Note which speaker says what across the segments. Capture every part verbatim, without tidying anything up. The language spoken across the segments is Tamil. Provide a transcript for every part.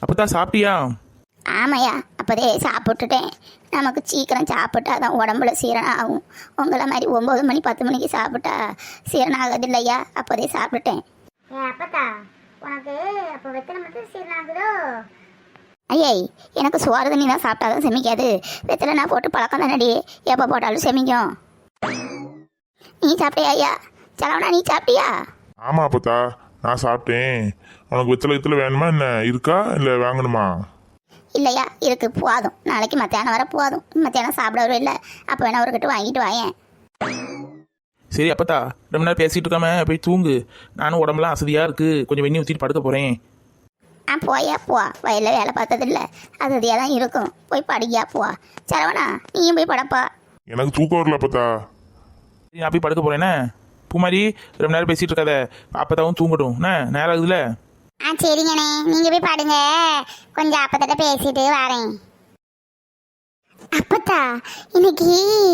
Speaker 1: அப்பதான் சாப்பிட்டியா?
Speaker 2: ஆமையா, அப்போதே சாப்பிட்டுட்டேன். நமக்கு சீக்கிரம் சாப்பிட்டா தான் உடம்புல சீரணம் ஆகும். உங்களை மாதிரி ஒம்பது மணி பத்து மணிக்கு சாப்பிட்டா சீரணம் ஆகுது இல்லையா? அப்போதே சாப்பிட்டுட்டேன்.
Speaker 3: ஏ அப்பத்தா, உனக்கு அப்போ வெத்தலை மட்டும் சீரணம் ஆகுதோ?
Speaker 2: ஐயை, எனக்கு சோறு தண்ணி தான் சாப்பிட்டா தான் செமிக்காது. வெத்தலை நான் போட்டு பழக்கம் தானடி, எப்போ போட்டாலும் செமிக்கும். நீ சாப்பிட்டியா ஐயா? சலவனா, நீ சாப்பிட்டியா?
Speaker 4: ஆமா அப்பத்தா, நான் சாப்பிட்டேன். உனக்கு வெத்தலை வெத்தலை வேணுமா என்ன? இருக்கா இல்லை வாங்கணுமா?
Speaker 2: இல்லையா, இருக்கு, போதும். நாளைக்கு மத்தியானம் வர போதும். மத்தியானம் சாப்பிட வரும் இல்லை, அப்போ வேணா அவர்கிட்ட வாங்கிட்டு வாயேன்.
Speaker 1: சரி அப்பத்தா, ரொம்ப நேரம் பேசிட்டு இருக்காம போய் தூங்கு. நானும் உடம்புலாம் அசதியாக இருக்குது, கொஞ்சம் வெந்நி ஊற்றிட்டு படுக்க போகிறேன்.
Speaker 2: ஆ போயா போ, வயலில் வேலை பார்த்ததில்ல, அது அதியாக தான் இருக்கும். போய் படியா போ. சரவணா, நீயும் போய் படப்பா.
Speaker 4: எனக்கு தூக்கம் வரல அப்பத்தா.
Speaker 1: சரி, நான் போய் படுக்க போகிறேன்னே. பூமாரி, ரொம்ப நேரம் பேசிகிட்டு இருக்காத, அப்பத்தாவும் தூங்கட்டும். என்ன நேரம் ஆகுதுல்ல?
Speaker 3: ஆ சரிங்கண்ணே, நீங்கள் போய் பாடுங்க, கொஞ்சம் அப்பத்திட்ட பேசிட்டு வரேன். அப்பத்தா, இன்னைக்கு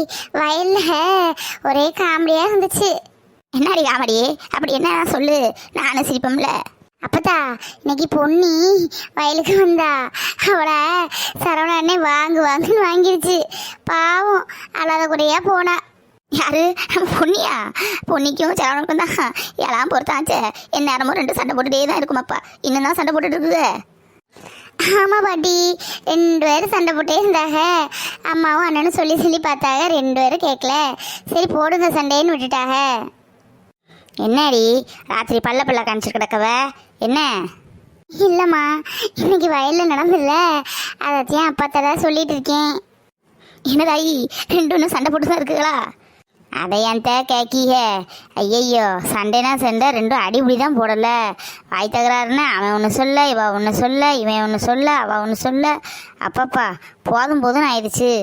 Speaker 3: வயலில் ஒரே காமெடியாக இருந்துச்சு.
Speaker 2: என்னடி காமெடி? அப்படி என்ன சொல்லு, நானும் சிரிப்போம்ல.
Speaker 3: அப்பத்தா, இன்னைக்கு பொன்னி வயலுக்கு வந்தா, அவளை சரவண அண்ணே வாங்கு வாங்குன்னு வாங்கிடுச்சு. பாவம், அழாத குறையா போனா.
Speaker 2: யாரு? பொன்னியா? பொன்னிக்கும் சரவணனுக்கும் தான் எல்லாம் பொறுத்தாச்சே. என் நேரமும் ரெண்டு சண்டை போட்டுட்டே தான் இருக்குமாப்பா. இன்னும் தான் சண்டை போட்டுட்டு இருக்குது.
Speaker 3: ஆமாம் பாட்டி, ரெண்டு பேரும் சண்டை போட்டே இருந்தாங்க. அம்மாவும் அண்ணனும் சொல்லி சொல்லி பார்த்தாங்க, ரெண்டு பேரும் கேட்கல. சரி போடுங்க சண்டைன்னு விட்டுட்டாங்க.
Speaker 2: என்னடி ராத்திரி பல்ல பல்ல காமிச்சு கிடக்கவ? என்ன?
Speaker 3: இல்லைம்மா, இன்னைக்கு வயலில் நடந்தில்ல, அதைத்தான் அப்பாத்தான் சொல்லிட்டு இருக்கேன்.
Speaker 2: என்னதாயி, ரெண்டு ஒன்று சண்டை போட்டு தான் இருக்குங்களா? அதை என் தே கேக்கிய. ஐயையோ, சண்டைனா சண்டை, ரெண்டும் அடிபடி தான் போடல. வாய் தகராறுன்னு அவன் ஒன்று சொல்ல, இவ ஒன்று சொல்ல, இவன் ஒன்று சொல்ல, அவள் ஒன்று சொல்ல. அப்பப்பா, போதும் போதும்னு ஆயிடுச்சு.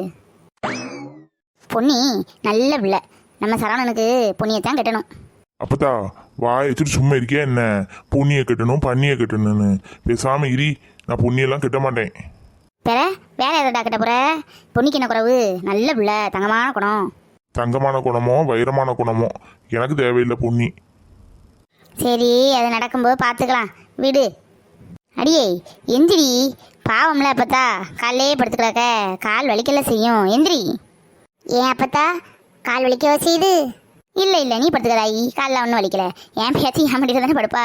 Speaker 2: பொன்னி நல்ல பிள்ளை. நம்ம சரவணனுக்கு பொன்னியத்தான் கட்டணும்.
Speaker 4: அப்பத்தா, வாய் வச்சுட்டு சும்மா இருக்கியா என்ன? பொன்னியை கட்டணும் பண்ணியை கட்டணும்னு பேசாம இரி. நான் பொன்னியெல்லாம் கட்ட மாட்டேன்.
Speaker 2: வேற வேற எதடா கட்ட போற? பொன்னிக்கு என்ன குறவு? நல்ல பிள்ளை, தங்கமான குணம்.
Speaker 4: தங்கமான குணமோ வைரமான குணமோ எனக்கு தேவையில்லை பொன்னி.
Speaker 2: சரி, அது நடக்கும்போது பார்த்துக்கலாம், விடு. அடியே எந்திரி, பாவம்ல அப்பத்தா, காலையே படுத்துக்கிறாக்க, கால் வலிக்கல செய்யும். எந்திரி.
Speaker 3: ஏன் அப்பத்தா, கால் வலிக்க செய்யுது?
Speaker 2: இல்லை இல்லை, நீ படுத்துக்கிறாயி, காலில் ஒன்றும் வலிக்கல. என் பேத்தி என் மடியில் தானே படுப்பா.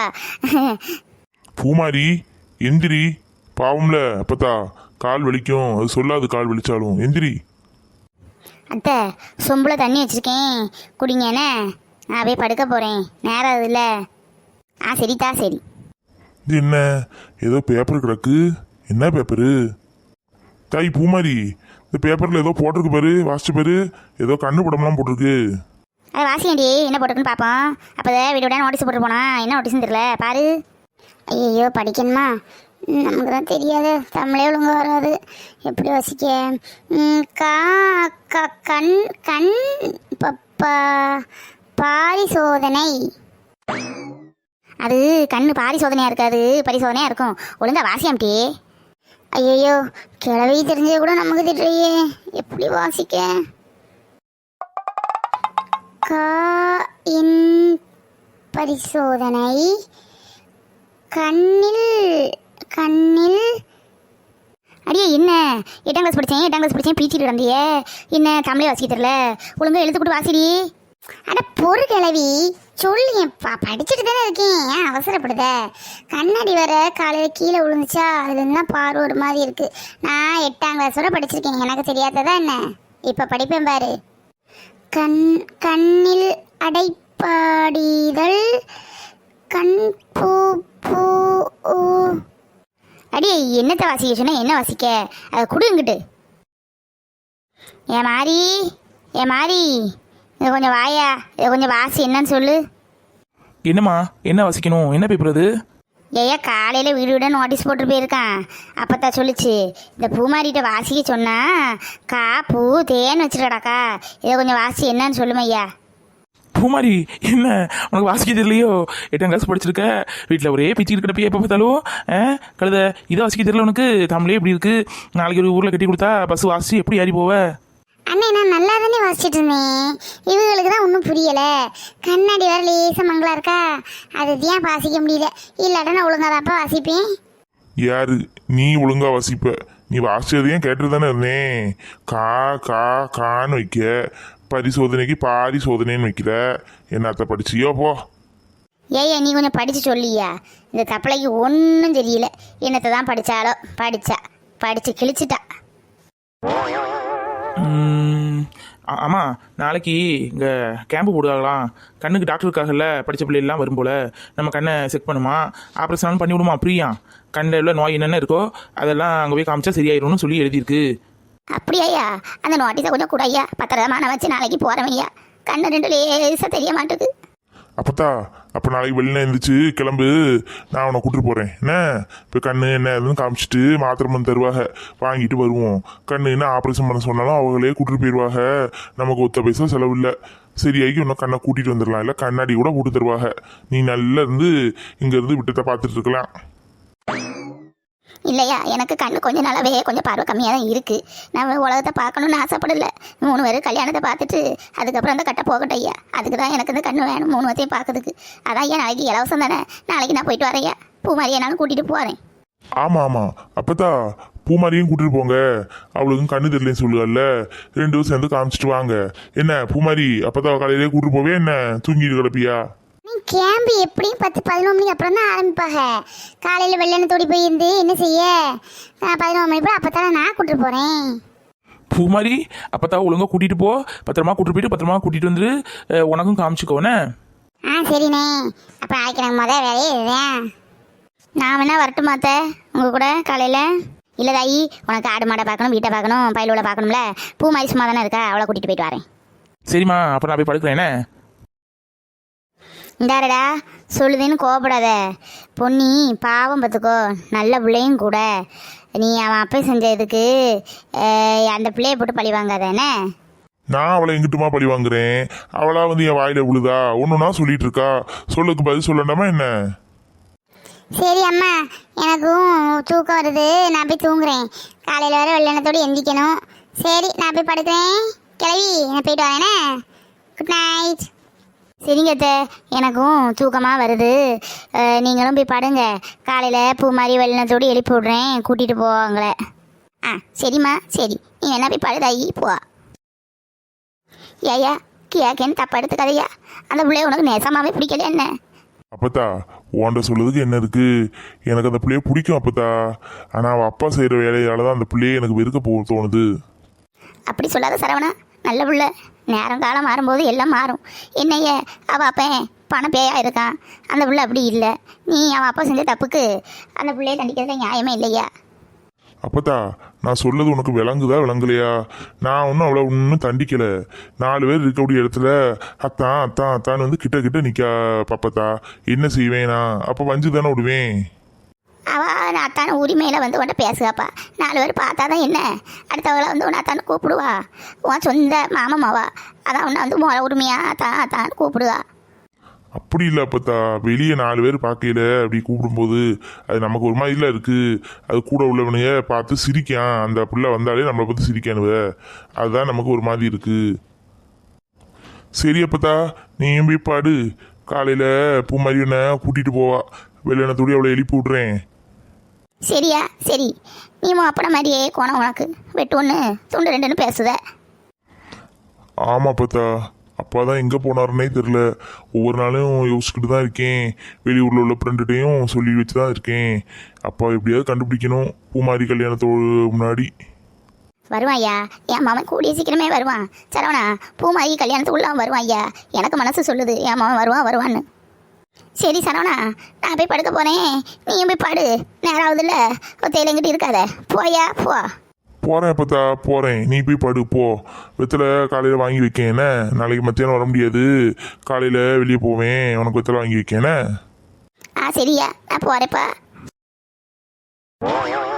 Speaker 4: பூமாரி, எந்திரி. பாவம்ல அப்பத்தா, கால் வலிக்கும். அது சொல்லாது கால் வலிச்சாலும். எந்திரி.
Speaker 2: அத்தை, சொம்பில் தண்ணி வச்சுருக்கேன், குடிங்க என்ன. நான் போய் படுக்க போகிறேன், நேரம் ஆகுதுல்ல. ஆ சரிதா, சரி.
Speaker 4: இது என்ன, ஏதோ பேப்பர் கிடக்கு? என்ன பேப்பரு? தாய் பூமாரி, இந்த பேப்பரில் ஏதோ போட்டிருக்கு பாரு, வாசிச்சு பாரு. ஏதோ கண்ணு படம்லாம் போட்டிருக்கு.
Speaker 2: அதை வாசியாண்டி, என்ன போட்டிருக்குன்னு பார்ப்போம். அப்போ வீடு விட நோட்டீஸ் போட்டு போனா, என்ன நோட்டீஸ்ன்னு தெரியல, பாரு.
Speaker 3: ஐயோ, படிக்கணுமா? நமக்கு தான் தெரியாது, தமிழே ஒழுங்கு வராது, எப்படி வாசிக்க? கா க கண் கண் பப்பா பாரிசோதனை.
Speaker 2: அது கண்ணு பாரிசோதனையாக இருக்காது, பரிசோதனையாக இருக்கும். ஒழுங்கா வாசியாம்டி.
Speaker 3: ஐயோ, கிளவி தெரிஞ்சது கூட நமக்கு திட்டுறையே, எப்படி வாசிக்க? கா இன் பரிசோதனை. கண்ணில் கண்ணில்
Speaker 2: அடியே, என்ன எட்டாம் கிளாஸ் படித்தேன் எட்டாம் கிளாஸ் படித்தேன் பீச்சிட்டு வந்தியே, என்ன தமிழே வாசிக்க தெரியல? ஒழுங்கா எழுத்து கூட வாசிடி.
Speaker 3: அட பொறு கிளவி, சொல்லு. பா படிச்சுட்டு தானே இருக்கேன், ஏன் அவசரப்படுத? கண்ணாடி வர காலையில் கீழே விழுந்துச்சா, அதுலேருந்து தான் பார்வை ஒரு மாதிரி இருக்கு. நான் எட்டாம் கிளாஸோட படிச்சிருக்கேன், எனக்கு தெரியாததா என்ன? இப்போ படிப்பேன் பாரு. கண் கண்ணில் அடைப்பாடிதழ் கண் பூ பூ.
Speaker 2: அடியே, என்னத்தை வாசிக்க சொன்னா என்ன வாசிக்க? அதை கொடுங்கிட்டு. ஏன் மாறி, ஏன் மாறி, இதை கொஞ்சம் வாயா, இதை கொஞ்சம் வாசி, என்னன்னு சொல்லு.
Speaker 1: என்னம்மா, என்ன வாசிக்கணும்? என்ன பேப்பர் அது?
Speaker 2: ஏயா, காலையில் வீடு விட நோட்டீஸ் போட்டு போயிருக்கான். அப்போத்தான் சொல்லிச்சு, இந்த பூமாரிகிட்ட வாசிக்க சொன்னா கா பூ தேன்னு வச்சுருக்கடாக்கா, இதை கொஞ்சம் வாசி, என்னன்னு சொல்லுமையா.
Speaker 1: பூமாரி, என்ன உனக்கு வாசிக்க தெரியலையோ? எட்டாம் கிளாஸ் படிச்சிருக்க, வீட்டில் ஒரே பிச்சு இருக்கிறப்ப எப்போ பார்த்தாலும் ஆ கழுத, இதை வாசிக்க தெரியல உனக்கு? தமிழே இப்படி இருக்கு, நாளைக்கு ஒரு ஊரில் கட்டி கொடுத்தா பஸ் வாசி எப்படி ஏறி போவ?
Speaker 3: அண்ணே, நான் நல்லா தானே வாசிச்சுட்டு இருந்தேன், இவங்களுக்கு தான் ஒன்றும் புரியலை. கண்ணாடி வர லேச மங்களா இருக்கா, அது ஏன் வாசிக்க முடியல. இல்லாட்டா நான் ஒழுங்காதாப்பா வாசிப்பேன்.
Speaker 4: யாரு நீ ஒழுங்கா வாசிப்ப. நீ வாசிச்சதையும் கேட்டு தானே இருந்தேன். கா கா கான்னு வைக்க, பரிசோதனைக்கு பாரி சோதனைன்னு வைக்கிற. என்னத்த படிச்சியோ போ.
Speaker 2: ஏய்யா நீ கொஞ்சம் படித்து சொல்லியா? இந்த தப்பளைக்கு ஒன்றும் தெரியல. என்னத்தை தான் படித்தாலோ படித்தா படித்து கிழிச்சிட்டா.
Speaker 1: ஆமாம், நாளைக்கு இங்கே கேம்பு போடுவாங்களாம். கண்ணுக்கு டாக்டர் இருக்காங்கல்ல, படித்த பிள்ளைலாம் வரும் போல். நம்ம கண்ணை செக் பண்ணுமா, ஆப்ரேஷன் பண்ணி விடுமா ஃப்ரீயா. கண்ணில் உள்ள நோய் என்னென்ன இருக்கோ அதெல்லாம் அங்கே போய் காமிச்சா சரியாயிரும்னு சொல்லி எழுதியிருக்கு.
Speaker 2: அப்படியா? அந்த நோட்டீஸை கொஞ்சம் கூட ஐயா, பத்திரமா நான் வச்சு நாளைக்கு போகிறேன் ஐயா. கண்ணு ரெண்டு லேசாக தெரிய மாட்டேது.
Speaker 4: அப்பத்தா அப்போ நாளைக்கு வெளில எழுந்திரிச்சு கிளம்பு, நான் உன்னை கூட்டிட்டு போகிறேன். என்ன இப்போ கண்ணு என்ன ஏதுன்னு காமிச்சிட்டு மாத்திரை மருந்து தருவாங்க, வாங்கிட்டு வருவோம். கண்ணு என்ன ஆப்ரேஷன் பண்ண சொன்னாலும் அவங்களே கூட்டிட்டு போயிடுவாங்க. நமக்கு ஒத்த பைசா செலவு இல்லை. சரியாகி இன்னும் கண்ணை கூட்டிகிட்டு வந்துடலாம். இல்லை கண்ணாடி கூட போட்டு தருவாங்க. நீ நல்லா இருந்து இங்கேருந்து விட்டத்தை பார்த்துட்டு இருக்கலாம்.
Speaker 2: இல்லையா, எனக்கு கண்ணு கொஞ்ச நாளாவே கொஞ்சம் பார்வை கம்மியாக தான் இருக்குது. நான் உலகத்தை பார்க்கணுன்னு ஆசைப்படல. மூணு பேர் கல்யாணத்தை பார்த்துட்டு அதுக்கப்புறம் அந்த கட்டை போகட்டும் ஐயா. அதுக்கு தான் எனக்கு இந்த கண்ணு வேணும், மூணு வத்தையும் பார்க்கறதுக்கு. அதான் ஐயா நாளைக்கு இலவசம் தானே, நாளைக்கு நான் போயிட்டு வரேன் ஐயா. பூ மாதிரியே நானும் கூட்டிகிட்டு போகிறேன்.
Speaker 4: ஆமாம் ஆமாம் அப்பத்தா பூமாரியும் கூட்டிட்டு போங்க. அவளுக்கும் கண்ணு தெரியலன்னு சொல்லுகல்ல, ரெண்டு பேரும் சேர்ந்து காமிச்சிட்டு வாங்க. என்ன பூமாரி, அப்பத்தா காலையிலே கூட்டிட்டு போவே என்ன தூங்கிட்டு கிடப்பியா?
Speaker 3: நீ கேம்பு எப்படியும் பத்து பதினொன்று மணிக்கு அப்புறம் தான் ஆரம்பிப்பாங்க. காலையில் வெள்ளனத்தோடி போயிருந்து என்ன செய்ய, பதினொன்று மணி போல் அப்போ தானே நான் கூட்டிட்டு போகிறேன்.
Speaker 1: பூ மாதிரி அப்போ ஒழுங்காக கூட்டிகிட்டு போ, பத்திரமா கூட்டிட்டு போயிட்டு பத்திரமா கூட்டிகிட்டு வந்து உனக்கும் காமிச்சிக்கோண்ணே.
Speaker 3: ஆ சரிண்ணே. அப்போ நாளைக்கு எனக்கு மொதல் வேலையே இதுதான்.
Speaker 2: நான் வேணா வரட்டுமாத்த உங்கள் கூட காலையில்? இல்லை தாயி, உனக்கு ஆடு மாடை பார்க்கணும், வீட்டை பார்க்கணும், பயிலோட பார்க்கணும்ல. பூ மாதிரி சும்மா தானே இருக்கா, அவளை கூட்டிகிட்டு போயிட்டு வரேன்.
Speaker 1: சரிம்மா, அப்போ நான் போய் படுக்கிறேனே.
Speaker 2: இந்தாரடா சொல்லுதுன்னு கோவப்படாத பொன்னி, பாவம் பார்த்துக்கோ, நல்ல பிள்ளையும் கூட. நீ அவன் அப்பே செஞ்சதுக்கு அந்த பிள்ளையை போட்டு பழி வாங்காதானே.
Speaker 4: நான் அவளை எங்கிட்டுமா பழி வாங்குறேன்? அவளா வந்து என் வாயில விழுதா ஒன்றுனா சொல்லிட்டு இருக்கா. சொல்லுக்கு பதில் சொல்லண்டாமா என்ன?
Speaker 3: சரி அம்மா, எனக்கும் தூக்கம் வருது, நான் போய் தூங்குறேன். காலையில் வர வெள்ளனத்தோடு எந்திக்கணும். சரி நான் போய் படுக்கிறேன். கிளவி நான் போயிட்டு வரேனே. Good night.
Speaker 2: சரிங்க அத்தை, எனக்கும் தூக்கமாக வருது. நீங்களும் போய் படுங்க. காலையில் பூ மாதிரி வெள்ளனத்தோடு எழுப்பி விட்றேன், கூட்டிகிட்டு போவாங்களே. ஆ சரிம்மா, சரி நீ என்ன போய் படுதாயி போ. ஏயா கேக்கேன்னு தப்பா எடுத்துக்காதையா, அந்த பிள்ளைய உனக்கு நேசமாகவே பிடிக்கல என்ன?
Speaker 4: அப்பத்தா உன்ட சொல்லுறதுக்கு என்ன இருக்கு? எனக்கு அந்த பிள்ளைய பிடிக்கும் அப்பத்தா. ஆனால் அவள் அப்பா செய்கிற வேலையால தான் அந்த பிள்ளையை எனக்கு வெறுக்க போக தோணுது.
Speaker 2: அப்படி சொல்லாத சரவணா, நல்ல பிள்ளை. நேரம் காலம் மாறும்போது எல்லாம் மாறும். என்னைய அவள் அப்பன் பணம் பேயா இருக்கான், அந்த பிள்ளை அப்படி இல்லை. நீ அவன் அப்பா செஞ்ச தப்புக்கு அந்த பிள்ளைய தண்டிக்கிறது நியாயமே இல்லையா?
Speaker 4: அப்பத்தா நான் சொல்லது உனக்கு விளங்குதா விளங்கலையா? நான் ஒன்றும் அவ்வளோ ஒன்றும் தண்டிக்கலை. நாலு பேர் இருக்கக்கூடிய இடத்துல அத்தான் அத்தான் அத்தான்னு வந்து கிட்ட கிட்ட நிற்கா பாப்பத்தா. என்ன செய்வேன் நான்? அப்போ வஞ்சு தானே விடுவேன்.
Speaker 2: அவள் அத்தான உரிமையில் வந்து உன்ட்ட பேசுகாப்பா. நாலு பேர் பார்த்தா தான் என்ன, அடுத்தவளை வந்து உன்னை அத்தான்னு கூப்பிடுவா. உன் சொந்த மாமம்மாவா, அதான் உன்னை வந்து முறை உரிமையாக அத்தான் அத்தான்னு கூப்பிடுவா.
Speaker 4: அப்படி இல்லை அப்பத்தா, வெளியே நாலு பேர் பார்க்கையில அப்படி கூப்பிடும்போது அது நமக்கு ஒரு மாதிரில இருக்கு. அது கூட உள்ளவனைய பார்த்து சிரிக்கான், அந்த பிள்ளை வந்தாலே நம்மளை பார்த்து சிரிக்கானுவ, அதுதான் நமக்கு ஒரு மாதிரி இருக்கு. சரி அப்பத்தா நீயும் போய் பாடு. காலையில் பூ மாதிரியான கூட்டிகிட்டு போவா, வெள்ளனத்தோடி அவளை எழுப்பி விட்றேன்.
Speaker 2: சரியா சரி, நீ அப்பட மாதிரியே கோணம் உனக்கு வெட்டு ஒன்று துண்டு ரெண்டுன்னு பேசுத.
Speaker 4: ஆமாம் அப்பத்தா, அப்பா தான் எங்கே போனாருன்னே தெரில. ஒவ்வொரு நாளும் யோசிச்சுக்கிட்டு தான் இருக்கேன். வெளியூரில் உள்ள ஃப்ரெண்டுகிட்டையும் சொல்லி வச்சு தான் இருக்கேன். அப்பா எப்படியாவது கண்டுபிடிக்கணும் பூமாரி கல்யாணத்தோடு முன்னாடி.
Speaker 2: வருவான் ஐயா, என் மாமன் கூடிய சீக்கிரமே வருவான். சரவணா, பூமாரி கல்யாணத்துக்குள்ள அவன் வருவான் ஐயா. எனக்கு மனசு சொல்லுது என் மாமன் வருவான் வருவான்னு. சரி சரவணா, நான் போய் படுக்க போகிறேன், நீயும் போய் பாடு. நேரம் ஆகுதுல்ல, ஒத்தையிலங்கிட்டு இருக்காத, போயா போ.
Speaker 4: போகிறேன் அப்பத்தா போகிறேன், நீ போய் படு போ. வெத்தலை காலையில் வாங்கி வைக்கேன் என்ன, நாளைக்கு மத்தியானம் வர முடியாது, காலையில் வெளியே போவேன், உனக்கு வெத்தலை வாங்கி வைக்கேன் என்ன.
Speaker 2: ஆ சரியா, நான் போகிறேப்பா.